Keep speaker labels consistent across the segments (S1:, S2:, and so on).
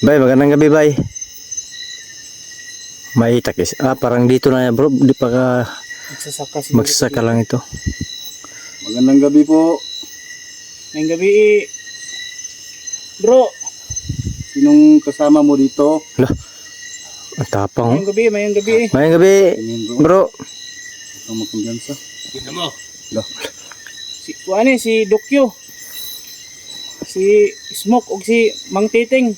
S1: Bay, magandang gabi, bay. May takis. Parang dito na yan, bro. Di pa ka magsasaka lang ito.
S2: Magandang gabi po.
S3: Ngayong gabi, bro.
S2: Sinong kasama mo dito?
S1: Lah, ang tapang.
S3: Ngayong gabi.
S1: Mayang gabi, bro.
S2: Ang magkumbiyansa.
S3: Kita mo.
S2: Lah,
S3: Si Dokyo. Si Smoke o si Mang Titing.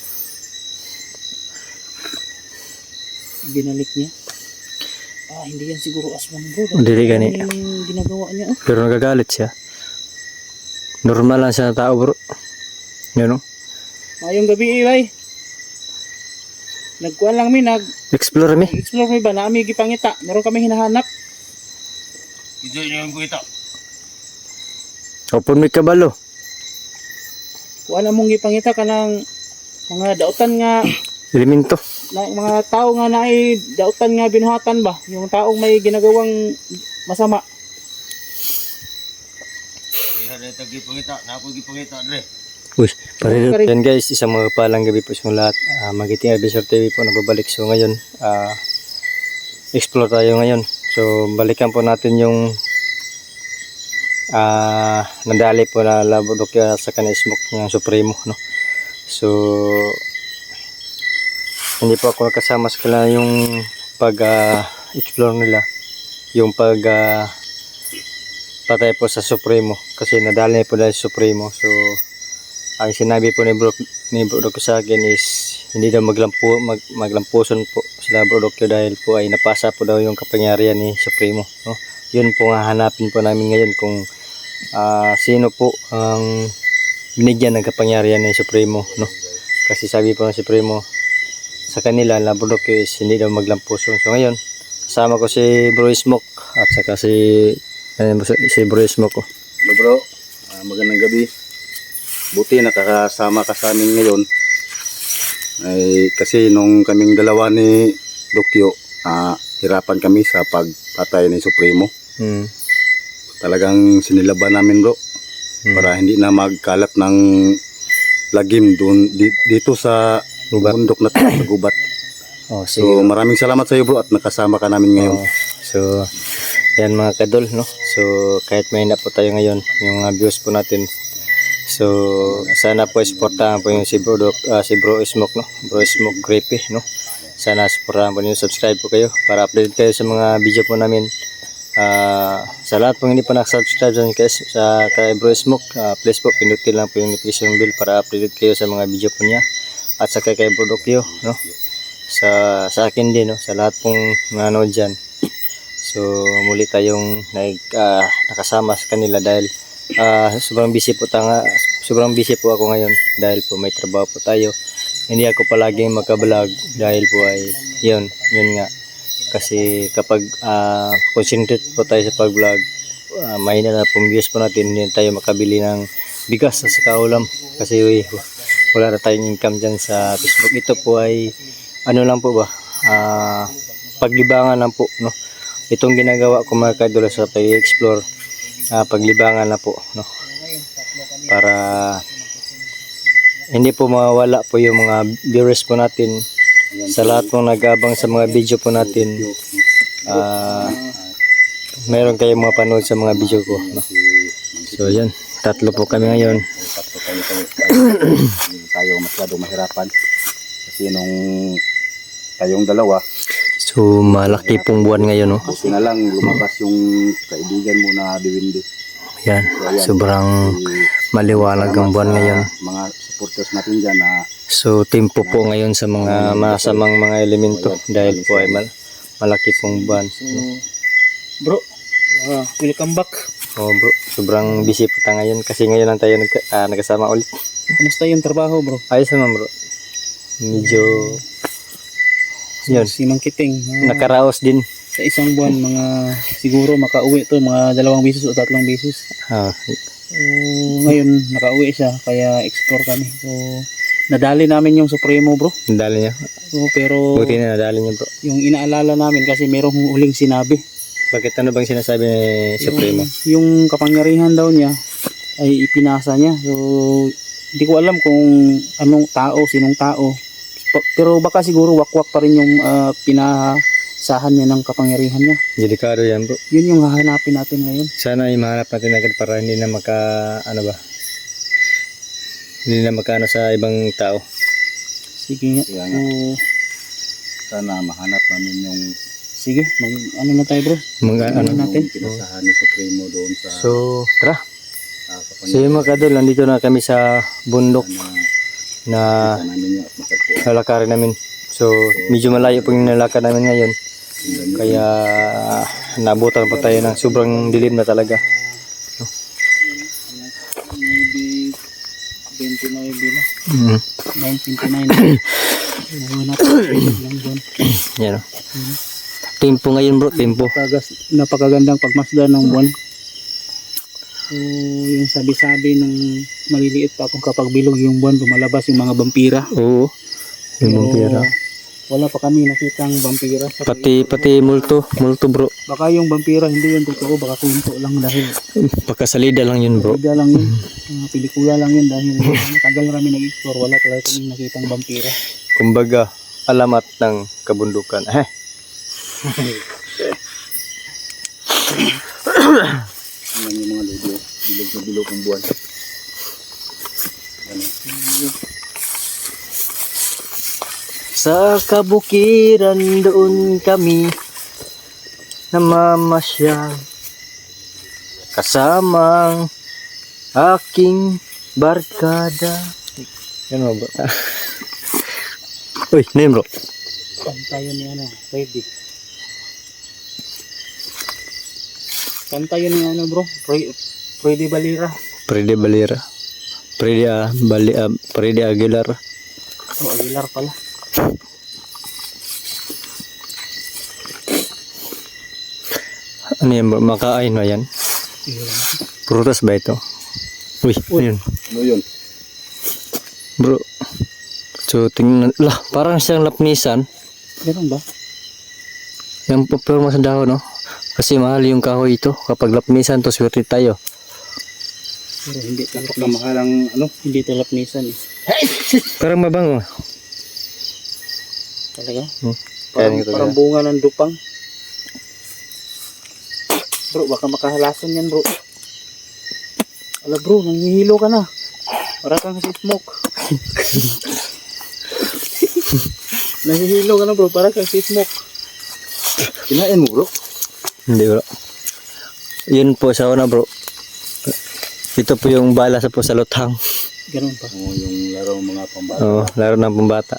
S3: Binalik niya. Hindi yan siguro aswang, bro.
S1: Dili gani.
S3: Yung ginagawa niya, oh.
S1: Pero nagagalit siya. Normal lang siya na tao, bro. Yan, no?
S3: Ngayong gabi, bay. Nagkuhan lang mi,
S1: Explore mi.
S3: nag-explore mi ba? Naami gipangita. Meron kami hinahanap.
S2: ito yung ko ito.
S1: Open mi kabalo.
S3: Kuha na mong gipangita ka ng mga dautan nga,
S1: Elemento.
S3: mga tao nga naay dautan nga binuhatan ba? Yung taong may ginagawang masama.
S1: Uy, pare. Yan guys, isang mga palang gabi po sa lahat. Magiting Adventure TV po nababalik. So ngayon, explore tayo ngayon. So balikan po natin yung nadali po na labudok sa kanil smoke ng Supremo, no? So hindi po ako nakasama sa kanila yung pag explore nila, yung pag patay po sa Supremo kasi nadali po dahil sa Supremo. So ang sinabi po ni Bro Dokyo sa akin is hindi daw maglampuson po sila Bro Dokyo dahil po ay napasa po daw yung kapangyarihan ni Supremo, no? Yun po nga hanapin po namin ngayon kung sino po ang binigyan ng kapangyarihan ni Supremo, no? Kasi sabi po ng Supremo sa kanila na Bro Dokyo is hindi daw maglampuson. So ngayon kasama ko si Bro Smoke at saka si Bro Smoke ko.
S2: Hello bro, magandang gabi. Buti nakakasama ka sa amin ngayon. Ay, kasi nung kaming dalawa ni Dokyo, hirapan kami sa pagpatay ni Supremo. Talagang sinilaban namin bro. Para hindi na magkalat ng lagim doon dito sa bundok na sa gubat. So maraming salamat sa iyo bro at nakasama ka namin ngayon.
S1: So yan mga kadol, no? So kahit may na po tayo ngayon, yung mga views po natin. So sana po supportahan po yung si Bro Smoke, no? Bro Smoke Creepy, no? Sana supportahan po niyo, subscribe po kayo para update kayo sa mga video po namin. Sa lahat po hindi pa nakasubscribe sa kay Bro Smoke, please po pindutin lang po yung notification bell para update kayo sa mga video po niya. At sa kay Bro Dokyo, no? Sa akin din, no? Sa lahat pong nanonood dyan. So muli tayong nakasama sa kanila dahil sobrang busy po ako ngayon dahil po may trabaho po tayo. Hindi ako palaging magka-vlog dahil po ay yun nga. Kasi kapag concentrate po tayo sa pag-vlog, mahina na pong views po natin, hindi tayo makabili ng bigas sa kaulam kasi wala na tayong income dyan sa Facebook. Ito po ay ano lang po ba, paglibangan lang po, no? Itong ginagawa ko mga kadol sa pag-explore, paglibangan na po, no? Para hindi po mawawala po yung mga viewers po natin sa lahat pong nag-abang sa mga video po natin. Mayroon kayong mga panood sa mga video ko, no? So yan, tatlo po kami ngayon.
S2: Hindi tayo masyadong mahirapan kasi nung tayong dalawa,
S1: So malaki pong buwan ngayon, no?
S2: buti na lang lumabas yung kaibigan mo na Diwindi.
S1: Yan, sobrang maliwanag ang buwan ngayon.
S2: Mga supporters natin dyan na
S1: So tempo po ngayon sa mga masamang mga elemento dahil po ay malaki pong buwan.
S3: Bro, welcome back.
S1: Oh bro, sobrang busy po tayo ngayon kasi ngayon lang tayo nagkasama ulit.
S3: Kumusta yung trabaho, bro?
S1: Ayos naman bro. Medyo yun,
S3: Si Mang Kiting.
S1: nakaraos din.
S3: Sa isang buwan, mga siguro makauwi to, mga 2 beses o 3 beses. So, ngayon, nakauwi siya, kaya explore kami. So, nadali namin yung Supremo, bro.
S1: Nadali niya.
S3: So, pero
S1: Buti na nadali niya bro.
S3: yung inaalala namin kasi merong huling sinabi.
S1: Bakit ano bang sinasabi ni Supremo?
S3: Yung kapangyarihan daw niya ay ipinasa niya. So, Hindi ko alam kung anong tao, sinong tao. Pero baka siguro wakwak pa rin yung pinasahan niya ng kapangyarihan niya.
S1: Delikado yan bro.
S3: Yun yung hahanapin natin ngayon.
S1: Sana ay mahanap natin agad para hindi na hindi na makaano sa ibang tao.
S3: Sige nga.
S2: Kaya nga.
S3: So,
S2: Sana mahanap namin yung
S3: sige, ano na tayo bro?
S1: Ano
S3: natin?
S2: pinasahan ni Supremo doon sa
S1: So, tara. So
S2: kapangyarihan
S1: yung mga kadol, nandito na kami sa bundok
S2: na
S1: na
S2: namin yung matagpuan.
S1: lalakarin namin. So, medyo malayo po yung nalakad namin ngayon. Kaya nabutan pa tayo ng sobrang dilim na talaga.
S3: Maybe 29 na.
S1: Mm.
S3: 9:29. Wala lang doon.
S1: Yan o. Tempo ngayon bro, tempo.
S3: Napakagandang pagmasdan ng buwan. So, yung sabi-sabi nung maliliit pa akong kapag bilog yung buwan, lumalabas yung mga vampira.
S1: Oo. Yung vampira.
S3: Wala pa kami nakitang vampira.
S1: Pati multo bro.
S3: Baka yung vampira hindi yun totoo, baka kwento lang dahil
S1: Pagkasalida lang yun bro.
S3: pelikula lang yun. Pelikula lang yun dahil matagal na kami nag-explore, wala talaga kami nakitang vampira.
S1: Kumbaga, alamat ng kabundukan.
S2: Yan yung mga ludo. Bilog na bilog ang buwan. Ano?
S1: Sa kabukiran doon kami namamasyal kasamang aking barkada. Yan mo ba? Uy, name bro.
S3: Kanta yun ni ano, Freddy. Kanta yun ni ano bro, Freddy Balira.
S1: Freddy Balira. Freddy Aguilar.
S3: Oh, Aguilar pala.
S1: Ano yan bro? Makain na yan? Prutas ba ito? Uy, ano yun?
S2: Ano yun?
S1: Bro. So, tingnan. Lah, parang siyang lapnisan.
S3: Ganun ba?
S1: Yung pupurma sa dahon, no? Kasi mahal yung kahoy ito. Kapag lapnisan to, swerte tayo.
S3: Pero hindi to
S2: Tapos na mahal ang ano?
S3: Hindi to lapnisan eh.
S1: Parang mabango.
S3: Talaga?
S1: Kaya
S3: Parang bunga ng dupang. Bro, baka makahalason yan bro. Ala bro, nanghihilo ka na. Para kang si Smoke. Nanghihilo ka na bro, para kang si Smoke.
S2: Kinain mo bro?
S1: Hindi bro. Yun po sa una bro. Ito po yung bala sa po sa luthang.
S3: Ganun pa.
S2: Oo, yung laro mga pambata.
S1: Oo, laro ng pambata.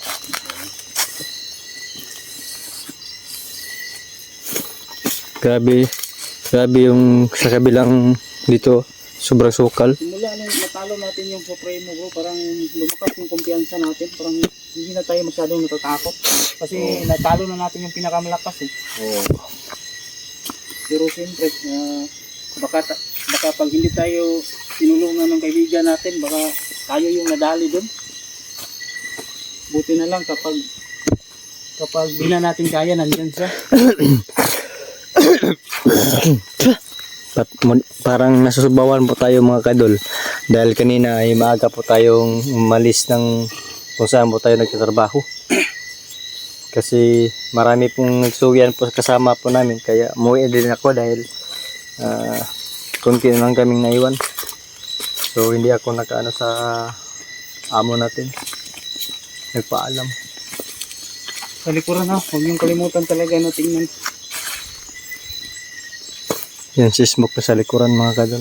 S1: Grabe yung sa kabilang dito, sobrang sukal.
S3: Simula nung natalo natin yung Supremo bro, parang lumakas yung kumpiyansa natin. Parang hindi na tayo masyadong natatakot. Kasi natalo na natin yung pinakamalakas eh.
S2: Oo.
S3: Pero siyempre, baka pag hindi tayo tinulungan ng kaibigan natin, baka tayo yung nadali doon. Buti na lang kapag di na natin kaya, nandyan siya.
S1: Parang nasusubawan po tayo mga kadol. Dahil kanina ay maaga po tayong umalis ng kung saan po tayo nagtatrabaho. Kasi marami pong nagsuwian po kasama po namin. Kaya umuwi din ako dahil konti na lang kaming naiwan. So hindi ako nakaano sa amo natin. Nagpaalam.
S3: Sa likuran ha, huwag yung kalimutan talaga na tingnan.
S1: Yan si Smoke na sa likuran mga kadol.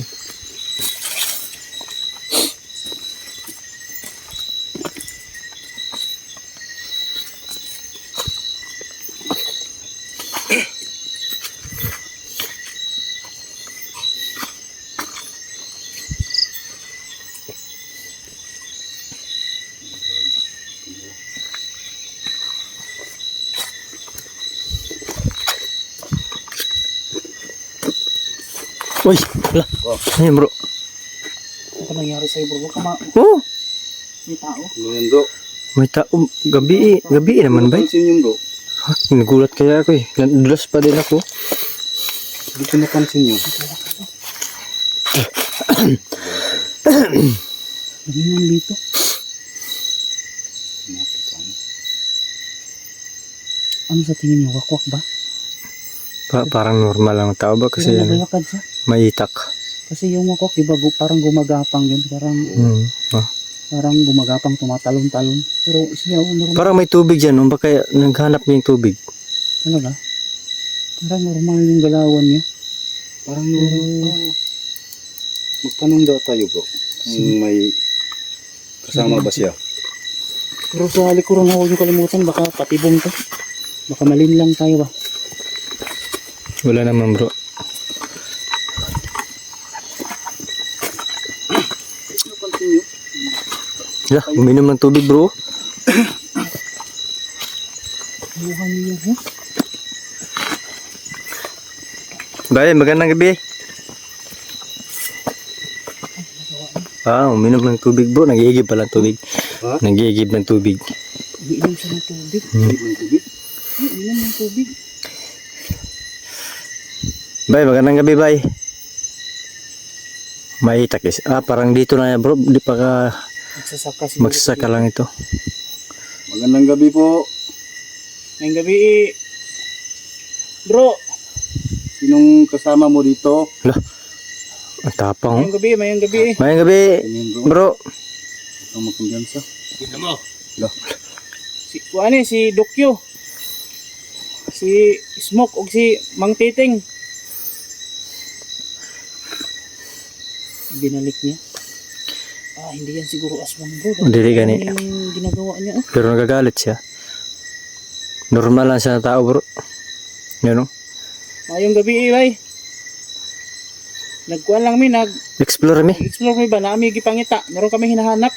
S1: Uy, ala. Ayun bro.
S3: Ano ka nangyari sa'yo bro?
S1: Oh,
S3: May tao?
S2: Ano yan bro?
S1: may tao. Gabi naman ba?
S2: Pansin yung bro?
S1: Ha, nagulat kaya ako eh. Nadulas pa din ako.
S2: Hindi ko napansin yun.
S3: Ganyan dito. Ano sa tingin niyo? Wakwak ba?
S1: Parang normal lang tao ba kasi
S3: Pero
S1: ano,
S3: naglalakad siya.
S1: maitak.
S3: Kasi yung wakwak, diba, parang gumagapang yun. Parang,
S1: Ah.
S3: parang gumagapang, tumatalon-talon. Pero siya, normal
S1: Parang may tubig dyan, no? Baka naghanap niya yung tubig.
S3: talaga. Parang normal yung galawan niya.
S2: Parang magtanong daw tayo bro. Kung may kasama ba siya?
S3: Pero sa likuran ako yung kalimutan, baka patibong to. Baka malinlang tayo ba?
S1: Wala naman bro. Yeah, uminom ng tubig bro.
S3: Buhan niyo yun,
S1: Bay, magandang gabi. Uminom ng tubig bro. Nag-iigib pala ng tubig.
S2: Ha?
S1: Nag-iigib ng tubig.
S3: Umiinom siya ng tubig.
S2: Ng tubig?
S3: Umiinom ng tubig.
S1: Bay, magandang gabi bay. Maitak is. Parang dito na yan bro. Di pa ka
S3: Magsasaka siguro.
S1: magsasaka lang ito.
S2: Magandang gabi po.
S3: Ngayong gabi, bro.
S2: Sinong kasama mo dito?
S1: Ang tapang.
S3: Ngayong gabi, mayang gabi.
S1: Mayang gabi
S2: Tingin bro.
S1: bro.
S2: Huwag kang magkumbiyansa.
S3: Si Dokyo. Si Smoke o si Mang Titing. Binalik niya. Hindi yan siguro aswang bro.
S1: Dili gani.
S3: Yung ginagawa niya.
S1: Pero nagagalit siya. Normal lang siya na tao bro. Yun o.
S3: Ngayong gabi, bay. Nagkuhan lang mi,
S1: Explore mi.
S3: nag-explore mi ba? Naami gipangita. Meron kami hinahanap.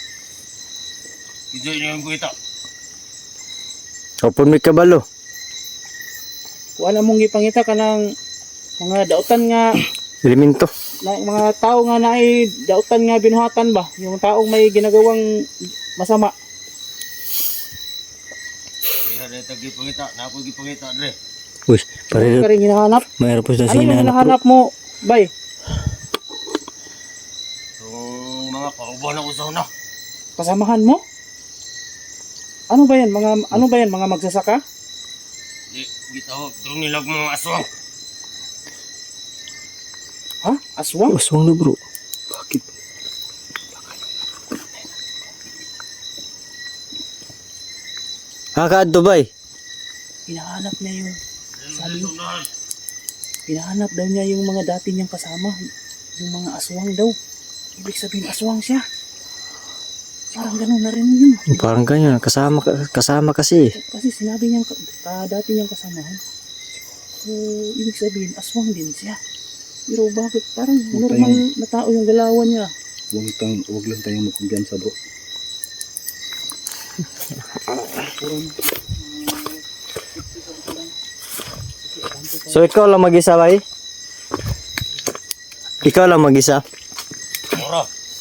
S1: Open mi kabalo.
S3: Kuha mong gipangita ka ng mga dautan nga,
S1: Elemento.
S3: mga tao nga naay dautan nga binuhatan ba? Yung taong may ginagawang masama.
S1: Uy, pare.
S3: Ka rin hinahanap.
S1: Mayroon po siya
S3: Ano yung
S1: hinahanap bro.
S3: hinahanap mo, bay?
S4: Mga pauban ako sa una.
S3: Kasamahan mo? Ano ba yan? Mga magsasaka?
S4: Di, gitawag. Doon nilag mga aswang.
S3: Ha? Aswang?
S1: Aswang na bro.
S2: Bakit?
S1: Kaadto bay.
S3: Hinahanap niya yung, sabi, hinahanap daw niya yung mga dati niyang kasama. Yung mga aswang daw. Ibig sabihin aswang siya. Parang ganun na rin yun.
S1: Parang ganyan. Kasama kasi.
S3: Kasi sinabi niyang dati niyang kasamahan. So, ibig sabihin, aswang din siya. Pero bakit? Parang normal na tao yung galawan niya.
S2: Huwag lang tayong magkumbiyansa bro.
S1: So ikaw lang mag-isa bay? Ikaw lang mag-isa?
S4: Mura.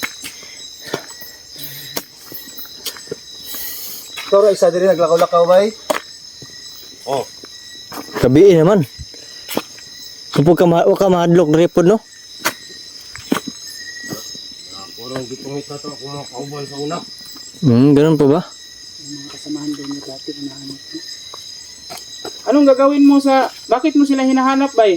S2: Ikaw ra isa diri naglakaw-lakaw bay?
S4: Oh.
S1: Kabiin naman. Huwag ka mahadlok na ripod no?
S4: Kurang gipangita to ako mga pauban sa una.
S1: Ganun pa ba?
S3: Yung mga kasamahan daw niya dati, hinahanap niya. Anong gagawin mo bakit mo sila hinahanap, bay?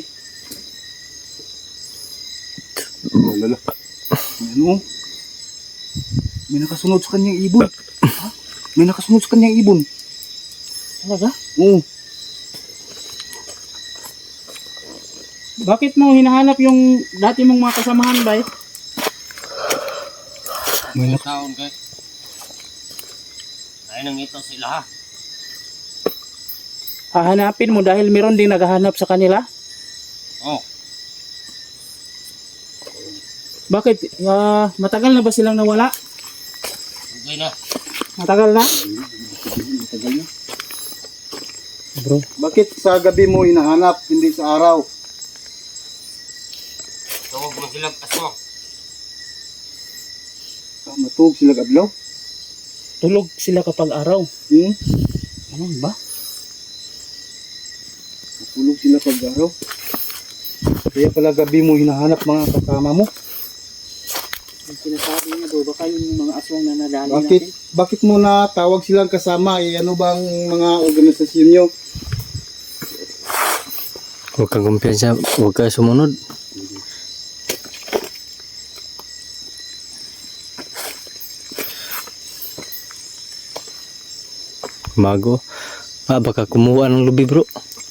S2: Lala. Ano? May nakasunod sa kanyang ibon. Ha? May nakasunod sa kanyang ibon.
S3: Talaga?
S2: Oo.
S3: Bakit mo hinahanap yung dati mong mga kasamahan, bay?
S2: May
S4: May taon kay. Ay nang ito sila ha.
S3: Hahanapin mo dahil meron ding naghahanap sa kanila?
S4: Oh.
S3: Bakit? Matagal na ba silang nawala?
S4: Okay na.
S3: Matagal na?
S2: Matagal na.
S3: Bro,
S2: Bakit sa gabi mo hinahanap, hindi sa araw?
S4: Tawag mo sila aswang.
S2: Matug sila adlaw?
S3: tulog sila kapag araw. Ano ba?
S2: Matulog sila pag araw. Kaya pala gabi mo hinahanap mga kasama mo.
S3: Yung sinasabi niya bro, baka yung mga aswang na nadali natin.
S2: Bakit mo na tawag silang kasama? Ano bang mga organisasyon nyo?
S1: Huwag kang kumpiyansa, huwag ka sumunod. Mago. Baka kumuha ng lubi bro.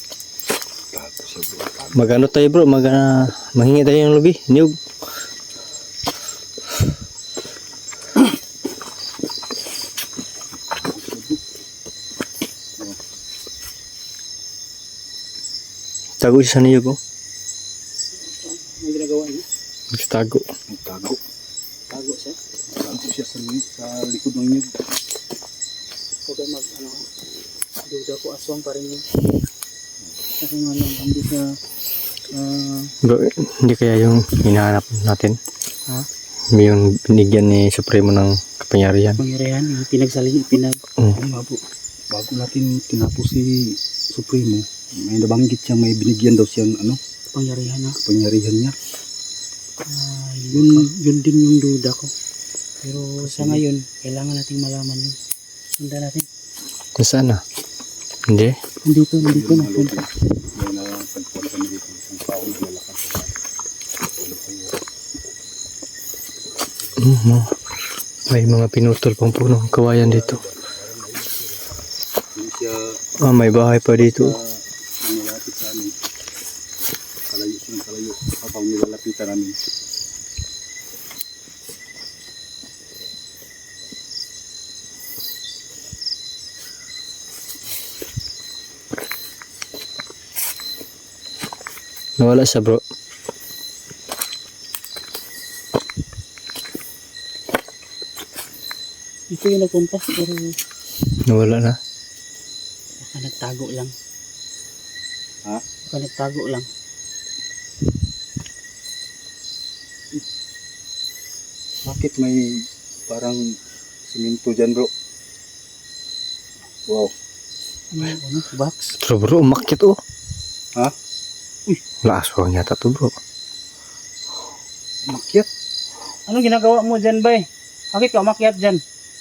S1: Magano tayo bro, manghingi tayo ng lubi. Niyog. Tago siya sa niyog oh.
S3: Ang ginagawa niya,
S1: Tago.
S2: Tago.
S3: tago siya.
S2: Tago siya sa likod ng nyug.
S3: Huwag kayo duda ko aswang pa rin yun. Kasi nga lang, hindi siya,
S1: Bro, hindi kaya yung hinahanap natin?
S3: Ha?
S1: Yung binigyan ni Supremo ng kapangyarihan.
S3: pangyarihan, yung
S2: Bago natin tinapos si Supremo, may nabanggit siya, may binigyan daw siyang
S3: pangyarihan na.
S2: pangyarihan niya.
S3: Yun din yung duda ko. Pero sa ngayon, kailangan nating malaman yun. Sundan natin.
S1: Saan na? Hindi.
S3: Nandito na.
S2: May napagpuan kami dito, isang tao na lalakas.
S1: May mga pinutol pang puno ng kawayan dito.
S2: Hindi siya
S1: May bahay pa dito.
S2: nilapit sa amin. Kalayo habang nilalapitan namin.
S1: Nawala siya bro.
S3: Ito yung nagpunta, pero
S1: Nawala na.
S3: baka nagtago lang.
S2: Ha?
S3: Baka nagtago lang.
S2: Bakit may parang siminto dyan bro? Wow.
S3: Ano? Box?
S1: Pero bro, umakyat oh.
S2: Ha?
S1: Wala aswang yata to bro.
S2: Makyat?
S3: Ano ginagawa mo dyan, bay? Bakit ka umakyat dyan?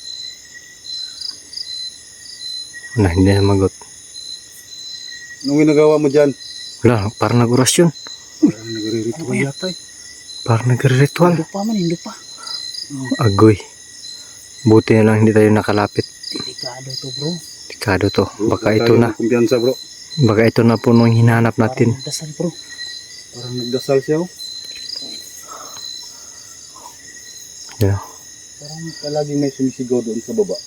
S1: Wala, hindi na magot.
S2: Anong ginagawa mo dyan?
S1: Wala, parang nag-orasyon.
S2: Parang nagre-ritual
S3: Ano yan?
S2: yata eh.
S1: Parang nagre-ritual.
S3: Hindo pa.
S1: Agoy. Buti na lang hindi tayo nakalapit.
S3: Delikado to bro.
S1: Delikado to. Baka
S2: Huwag
S1: ito
S2: tayo
S1: na.
S2: kumpiyansa bro.
S1: Baka ito na po nung hinahanap natin.
S3: Parang dasal bro.
S2: Parang nagdasal siya oh.
S1: Yeah.
S2: Parang palaging may sumisigaw doon sa baba.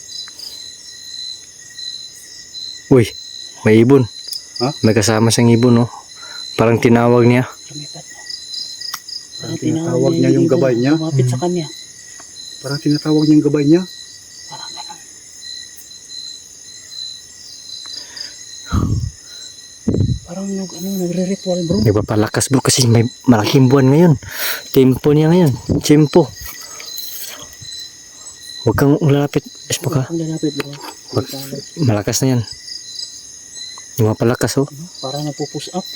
S1: Uy, may ibon.
S2: Ha?
S1: May kasama siyang ibon oh. Parang tinawag niya.
S3: Lumipat mo.
S2: Parang tinatawag niya yung gabay niya.
S3: Lumapit sa kanya.
S2: Parang tinatawag niya yung gabay niya.
S3: Parang ganun. Parang nagre-ritual bro.
S1: Nagpapalakas bro kasi may malaking buwan ngayon. Tempo niya ngayon. Tempo. Huwag kang lalapit. Espo ka.
S3: Ang lalapit bro.
S1: Malakas na yan. Lumapalakas oh.
S3: Parang nagpo-push up.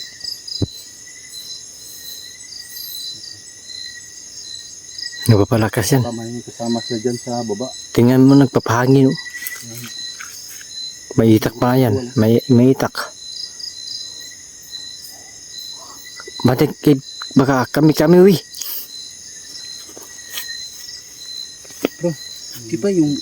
S1: Nagpapalakas yan.
S2: Tama yung kasama siya dyan sa baba.
S1: Tingnan mo nagpapahangin oh. May itak pa yan. May itak. Batik baka kami wi.
S3: Di ba yung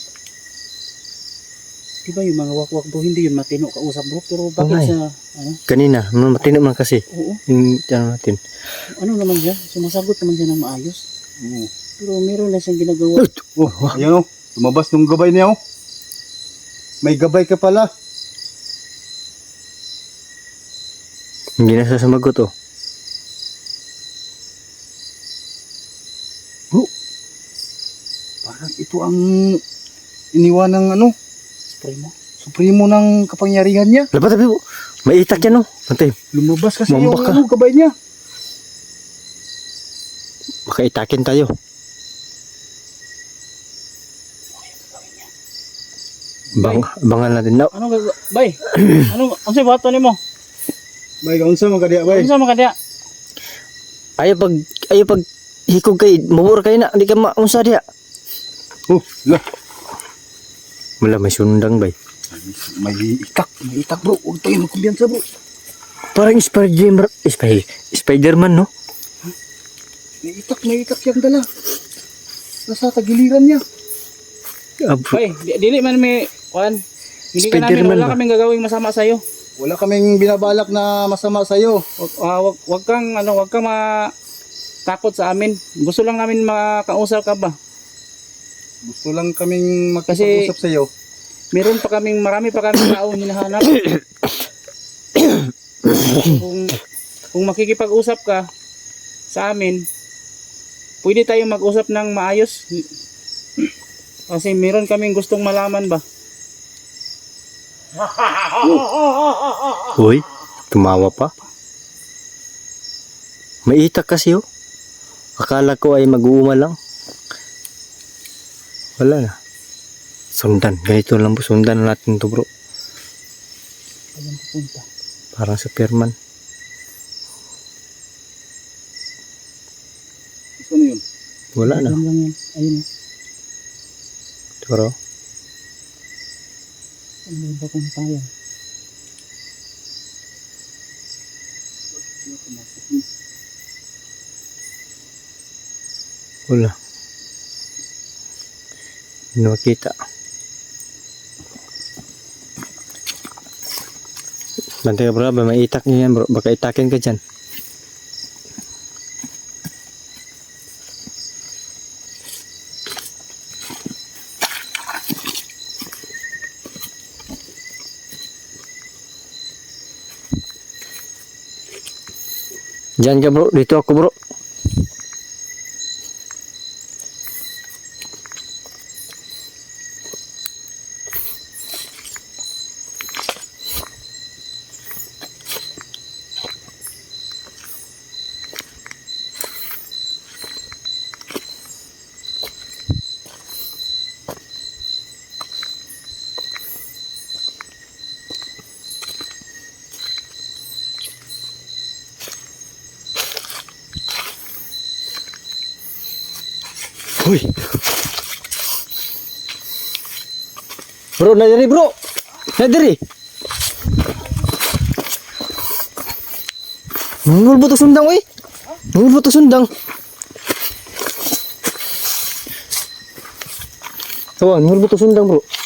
S3: mga wakwak bro, hindi yun matino kausap bro, pero bakit
S1: Okay.
S3: sa
S1: Kanina, matino man kasi.
S3: oo,
S1: Yung ano natin.
S3: ano naman siya, sumasagot naman siya ng maayos,
S2: Oo.
S3: pero meron na siyang ginagawa.
S2: Oh, ayan oh. Lumabas nung gabay niya oh. May gabay ka pala.
S1: Hindi na siya sumagot oh.
S2: Parang ito ang iniwan ng
S3: Spray mo.
S2: Supremo ng kapangyarihan niya.
S1: Lapat tabi oh. May itak yan oh. Antay,
S2: Lumabas kasi yung
S1: Mambak ka.
S2: gabay niya.
S1: baka itakin tayo. Bangan natin na.
S3: Ano gagawa? Bay, ano sa bato ni mo?
S2: Bay, kaunsa man kadiya bay?
S3: Ano sa mga kaya?
S1: Ayaw pag hikog kay mabur kay na di ka maunsa diha.
S2: Oh, lah.
S1: Wala may sundang bay.
S2: May itak bro. Huwag tayo magkumbiyansa bro.
S1: Parang Spider-Man no?
S2: May itak yung dala. Nasa tagiliran niya.
S1: Abo.
S3: Ay, dili man may kuan. Hindi ka namin,
S1: Spider-Man
S3: wala
S1: ba?
S3: kaming gagawing masama sa iyo.
S2: Wala kaming binabalak na masama sa'yo.
S3: Wag kang takot sa amin. Gusto lang namin makausap ka ba?
S2: Gusto lang kaming magkasap sa'yo.
S3: Marami pa kaming tao hinahanap. kung makikipag-usap ka sa amin, pwede tayong mag-usap ng maayos. Kasi meron kaming gustong malaman ba?
S1: Uy, tumawa pa. May itak kasi oh. Akala ko ay mag-uuma lang. Wala na. Sundan. Ganito lang po. Sundan natin to bro.
S3: Ayan pupunta.
S1: Parang sa Superman.
S2: Ano yun?
S1: Wala na.
S3: Ayan lang yan. Ayun o.
S1: Pero,
S3: Ano ba kung tayo?
S1: wala. Hindi makita. Bantay ka bro. May itak niya yan bro. Baka itakin ka dyan. Diyan ka bro, dito ako bro. Uy. Bro, nadiri bro. Nadiri. Nungul buto sundang uy. Nungul buto sundang. Tawa, nungul buto sundang bro.